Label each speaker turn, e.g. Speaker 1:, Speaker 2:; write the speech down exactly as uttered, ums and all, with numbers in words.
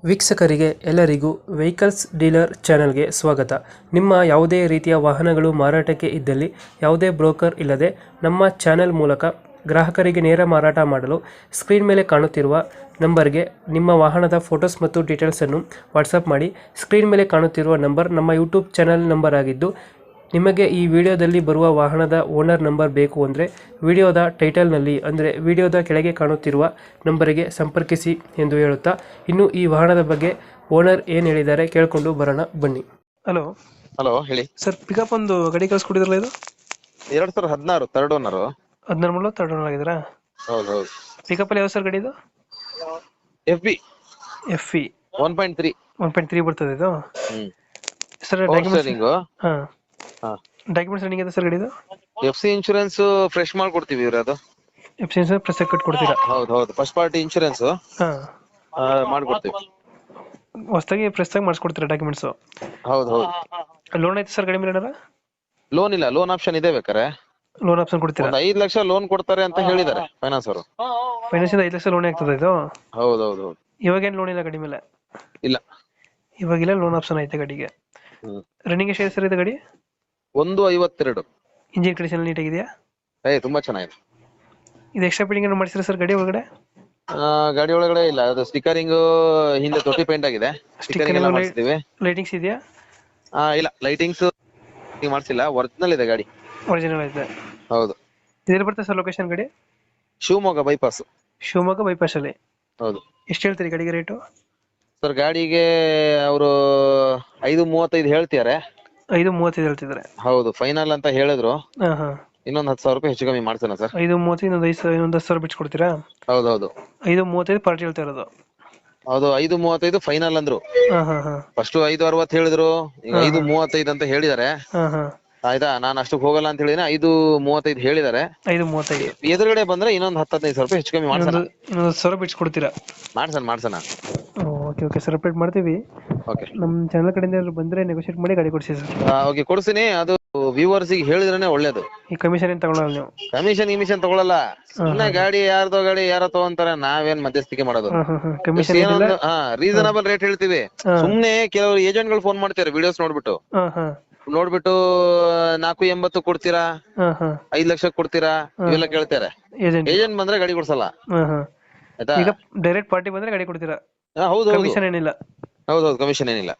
Speaker 1: ವೀಕ್ಷಕರಿಗೆ ಎಲ್ಲರಿಗೂ vehicles dealer ಚಾನೆಲ್ಗೆ ಸ್ವಾಗತ. ನಿಮ್ಮ ಯಾವುದೇ ರೀತಿಯ ವಾಹನಗಳು ಮಾರಾಟಕ್ಕೆ ಇದ್ದಲ್ಲಿ ಯಾವುದೇ ಬ್ರೋಕರ್ ಇಲ್ಲದೆ ನಮ್ಮ ಚಾನೆಲ್ ಮೂಲಕ ಗ್ರಾಹಕರಿಗೆ ನೇರ ಮಾರಾಟ ಮಾಡಲು ಸ್ಕ್ರೀನ್ ಮೇಲೆ ಕಾಣುತ್ತಿರುವ ನಂಬರ್ಗೆ ನಿಮ್ಮ ವಾಹನದ ಫೋಟೋಸ್ ಮತ್ತು ಡೀಟೇಲ್ಸನ್ನು ವಾಟ್ಸಪ್ ಮಾಡಿ. ಸ್ಕ್ರೀನ್ ಮೇಲೆ ಕಾಣುತ್ತಿರುವ ನಂಬರ್ ನಮ್ಮ ಯೂಟ್ಯೂಬ್ ಚಾನೆಲ್ ನಂಬರ್ ಆಗಿದ್ದು, ನಿಮಗೆ ಈ ವಿಡಿಯೋದಲ್ಲಿ ಬರುವ ವಾಹನದ ಓನರ್ ನಂಬರ್ ಬೇಕು ಅಂದರೆ ವಿಡಿಯೋದ ಟೈಟಲ್ನಲ್ಲಿ ಅಂದರೆ ವಿಡಿಯೋದ ಕೆಳಗೆ ಕಾಣುತ್ತಿರುವ ನಂಬರಿಗೆ ಸಂಪರ್ಕಿಸಿ ಎಂದು ಹೇಳುತ್ತಾ, ಇನ್ನು ಈ ವಾಹನದ ಬಗ್ಗೆ ಓನರ್ ಏನು ಹೇಳಿದ್ದಾರೆ ಕೇಳಿಕೊಂಡು ಬರೋಣ ಬನ್ನಿ. ಹಲೋ
Speaker 2: ಹಲೋ ಹೇಳಿ
Speaker 1: ಸರ್, ಪಿಕಪ್ ಒಂದು ಗಾಡಿ ಕಳಿಸ್ಕೊಟ್ಟಿದ್ರಲ್ಲ, ಇದು
Speaker 2: ಎರಡ್ ಸಾವಿರದ ಹದಿನಾರು ತರ್ಡ್ ಓನರ್.
Speaker 1: ಹದಿನಾರು ಮೂಲ ತರ್ಡ್ ಓನರ್ ಆಗಿದ್ದೀರಾ?
Speaker 2: ಹೌದು ಹೌದು.
Speaker 1: ಪಿಕಪ್ ಅಲ್ಲಿ ಯಾವ ಸರ್ ಗಾಡಿ ಇದು?
Speaker 2: F B
Speaker 1: F E
Speaker 2: one point three
Speaker 1: one point three ಬರ್ತದೆ ಇದು
Speaker 2: ಹ್ಮ್
Speaker 1: ಸರ್.
Speaker 2: Power
Speaker 1: documents
Speaker 2: steering.
Speaker 1: ಹಾಂ ಡಾಕ್ಯುಮೆಂಟ್ಸ್ ರನ್ನಿಂಗ್ ಇದೆ ಸರ್ ಗಾಡಿದು?
Speaker 2: ಎಫ್ ಸಿ ಇನ್ಶೂರೆನ್ಸ್ ಫ್ರೆಶ್ ಮಾಡ್ಕೊಡ್ತೀವಿ ಇವ್ರ ಅದು.
Speaker 1: F C insurance press cut ಕೊಡ್ತೀರಾ?
Speaker 2: ಹೌದು ಹೌದು, ಫಸ್ಟ್ ಪಾರ್ಟಿ ಇನ್ಶೂರೆನ್ಸ್
Speaker 1: ಹಾಂ,
Speaker 2: ಮಾಡ್ಕೊಡ್ತೀವಿ.
Speaker 1: ಹೊಸದಾಗಿ ಪ್ರೆಸ್ ಆಗಿ ಮಾಡಿಸ್ಕೊಡ್ತೀರಾ ಡಾಕ್ಯುಮೆಂಟ್ಸು?
Speaker 2: ಹೌದು ಹೌದು.
Speaker 1: ಲೋನ್ ಐತೆ ಸರ್ ಗಾಡಿ ಮೇಲೆ ಏನಾರ?
Speaker 2: ಲೋನ್ ಇಲ್ಲ, ಲೋನ್ ಆಪ್ಷನ್ ಇದೆ. ಬೇಕಾರೆ
Speaker 1: ಲೋನ್ ಆಪ್ಷನ್ ಕೊಡ್ತೀರಾ?
Speaker 2: ಒಂದ್ ಐದ್ ಲಕ್ಷ ಲೋನ್ ಕೊಡ್ತಾರೆ ಅಂತ ಹೇಳಿದ್ದಾರೆ ಫೈನಾನ್ಸ್ ಅವರು.
Speaker 1: ಫೈನಾನ್ಸ್ ಇಂದ ಐದು ಲಕ್ಷ ಲೋನ್ ಆಗ್ತದೆ ಇದು?
Speaker 2: ಹೌದು ಹೌದು ಹೌದು.
Speaker 1: ಇವಾಗೇನು ಲೋನ್ ಇಲ್ಲ ಗಾಡಿ ಮೇಲೆ?
Speaker 2: ಇಲ್ಲ,
Speaker 1: ಇವಾಗಿಲ್ಲ, ಲೋನ್ ಆಪ್ಷನ್ ಐತೆ ಗಾಡಿಗೆ.
Speaker 2: ಹ್ಮ್
Speaker 1: ರನ್ನಿಂಗ್ ಎಷ್ಟು ಸರ್ ಇದು ಗಾಡಿ?
Speaker 2: ಒಂದು ಐವತ್ತೆರಡು.
Speaker 1: ಇಂಜಿನ್ ಕಂಡೀಷನ್ ನೀಟಾಗಿದೆಯಾ?
Speaker 2: ಏ ತುಂಬಾ ಚೆನ್ನಾಗಿದೆ.
Speaker 1: ಇದು ಎಕ್ಸ್ಟ್ರಾ ಫಿಟ್ಟಿಂಗ್ ಏನು ಮಾಡಿಸಿರ ಸರ್ ಗಾಡಿ ಒಳಗಡೆ?
Speaker 2: ಆ, ಗಾಡಿ ಒಳಗಡೆ ಇಲ್ಲ, ಅದು ಸ್ಟಿಕರಿಂಗ್ ಹಿಂದೆ ತೊಟ್ಟಿ ಪೇಂಟ್ ಆಗಿದೆ. ಸ್ಟಿಕರಿಂಗ್ ಎಲ್ಲ ಮಾಡಿಸ್ತೀವಿ.
Speaker 1: ಲೈಟಿಂಗ್ಸ್ ಇದೆಯಾ?
Speaker 2: ಆ ಇಲ್ಲ, ಲೈಟಿಂಗ್ಸ್ ಮಾಡ್ಸಿಲ್ಲ, ಒರಿಜಿನಲ್ ಇದೆ ಗಾಡಿ.
Speaker 1: ಒರಿಜಿನಲ್ ಐತೆ?
Speaker 2: ಹೌದು.
Speaker 1: ಇದೆಲ್ಲಿ ಬರ್ತದೆ ಸರ್ ಲೊಕೇಶನ್ ಗಾಡಿ?
Speaker 2: ಶಿವಮೊಗ್ಗ ಬೈಪಾಸ್.
Speaker 1: ಶಿವಮೊಗ್ಗ ಬೈಪಾಸ್ ಅಲ್ಲಿ?
Speaker 2: ಹೌದು.
Speaker 1: ಎಷ್ಟು ಹೇಳ್ತೀರಿ ಗಾಡಿಗೆ ರೇಟು?
Speaker 2: ಸರ್ ಗಾಡಿಗೆ ಅವರು ಐದು ಮೂವತ್ತೈದು ಹೇಳ್ತಿದ್ದಾರೆ.
Speaker 1: ಐದು ಮೂವತ್ತೈದು ಹೇಳ್ತಿದ್ದಾರೆ?
Speaker 2: ಹೌದು, ಫೈನಲ್ ಅಂತ ಹೇಳಿದ್ರು.
Speaker 1: ಹಾಂ ಹಾಂ.
Speaker 2: ಇನ್ನೊಂದ್ ಹತ್ತು ಸಾವಿರ ರೂಪಾಯಿ ಹೆಚ್ಚು ಕಮ್ಮಿ ಮಾಡ್ಸೋಣ ಸರ್.
Speaker 1: ಐದು ಮೂವತ್ತೈದು, ಇನ್ನೊಂದು ಐದು ಸಾವಿರ, ಇನ್ನೊಂದು ಹತ್ತು ಸಾವಿರ ಬಿಟ್ಕೊಡ್ತೀರಾ?
Speaker 2: ಹೌದು ಹೌದು.
Speaker 1: ಐದು ಮೂವತ್ತೈದು ಪಾರ್ಟಿ ಹೇಳ್ತಾ ಇರೋದು?
Speaker 2: ಹೌದು, ಐದು ಮೂವತ್ತೈದು ಫೈನಲ್ ಅಂದ್ರು.
Speaker 1: ಹಾಂ ಹಾಂ ಹಾಂ.
Speaker 2: ಫಸ್ಟ್ ಐದು ಅರವತ್ತು ಹೇಳಿದ್ರು, ಈಗ ಐದು ಮೂವತ್ತೈದು ಅಂತ ಹೇಳಿದ್ದಾರೆ.
Speaker 1: ಹಾಂ ಹಾಂ.
Speaker 2: ಆಯ್ತಾ, ನಾನು ಅಷ್ಟಕ್ಕೆ ಹೋಗಲ್ಲ ಅಂತ ಹೇಳಿದ್ರೆ ಐದು ಮೂವತ್ತೈದು ಹೇಳಿದ್ದಾರೆ.
Speaker 1: ಐದು ಮೂವತ್ತೈದು
Speaker 2: ಎದುರುಗಡೆ ಬಂದ್ರೆ ಇನ್ನೊಂದ್ ಹತ್ತು ಹದಿನೈದು ಸಾವಿರ ರೂಪಾಯಿ ಹೆಚ್ಚು ಕಮ್ಮಿ ಮಾಡ್ಸೋಣ.
Speaker 1: ಇನ್ನೊಂದು ಸಾವಿರ ಬಿಟ್ಕೊಡ್ತೀರಾ?
Speaker 2: ಮಾಡ್ಸೋಣ ಮಾಡ್ಸೋಣ.
Speaker 1: ಓಕೆ ಓಕೆ ಸರ್, ಅಪ್ಡೇಟ್ ಮಾಡ್ತೀವಿ.
Speaker 2: ಓಕೆ,
Speaker 1: ನಮ್ಮ ಚಾನಲ್ ಕಡೆಯಿಂದ ಏನಾದ್ರು ಬಂದರೆ ನೆಗೋಷಿಯೇಟ್ ಮಾಡಿ ಗಾಡಿ ಕೊಡಿಸಿ ಸರ್.
Speaker 2: ಓಕೆ ಕೊಡ್ತೀನಿ. ಅದು ವ್ಯೂವರ್ಸ್ ಗೆ ಹೇಳಿದ್ರೆ ಒಳ್ಳೇದು.
Speaker 1: ಈ ಕಮಿಷನ್ ಏನು ತಗೊಳ್ಳಲ್ಲ ನೀವು?
Speaker 2: ಕಮಿಷನ್ ಗಿಮಿಷನ್ ತಗೊಳಲ್ಲ. ಸುಮ್ಮನೆ ಗಾಡಿ ಯಾರ್ದೋ ಗಾಡಿ ಯಾರೋ ತಗೊಂತಾರೆ, ನಾವೇನ್ ಮಧ್ಯಸ್ಥಿಕೆ ಮಾಡೋದು?
Speaker 1: ಕಮಿಷನ್
Speaker 2: ರೀಸನಬಲ್ ರೇಟ್ ಹೇಳ್ತೀವಿ. ಸುಮ್ನೆ ಕೆಲವರು ಏಜೆಂಟ್ ಗಳು ಫೋನ್ ಮಾಡ್ತಾರೆ ವಿಡಿಯೋಸ್ ನೋಡ್ಬಿಟ್ಟು ನೋಡ್ಬಿಟ್ಟು ನಾಲ್ಕು ಎಂಬತ್ತು ಕೊಡ್ತೀರಾ, ಐದ್ ಲಕ್ಷ ಕೊಡ್ತೀರಾ ಇವೆಲ್ಲ ಕೇಳ್ತಾರೆ. ಏಜೆಂಟ್ ಬಂದ್ರೆ ಗಾಡಿ ಕೊಡ್ಸಲ್ಲ. ಆಯ್ತಾ?
Speaker 1: ಡೈರೆಕ್ಟ್ ಪಾರ್ಟಿ ಬಂದ್ರೆ ಗಾಡಿ ಕೊಡ್ತೀರಾ?
Speaker 2: ಹೌದು,
Speaker 1: ಕಮಿಷನ್ ಏನಿಲ್ಲ?
Speaker 2: ಹೌದೌದು, ಕಮಿಷನ್ ಏನಿಲ್ಲ.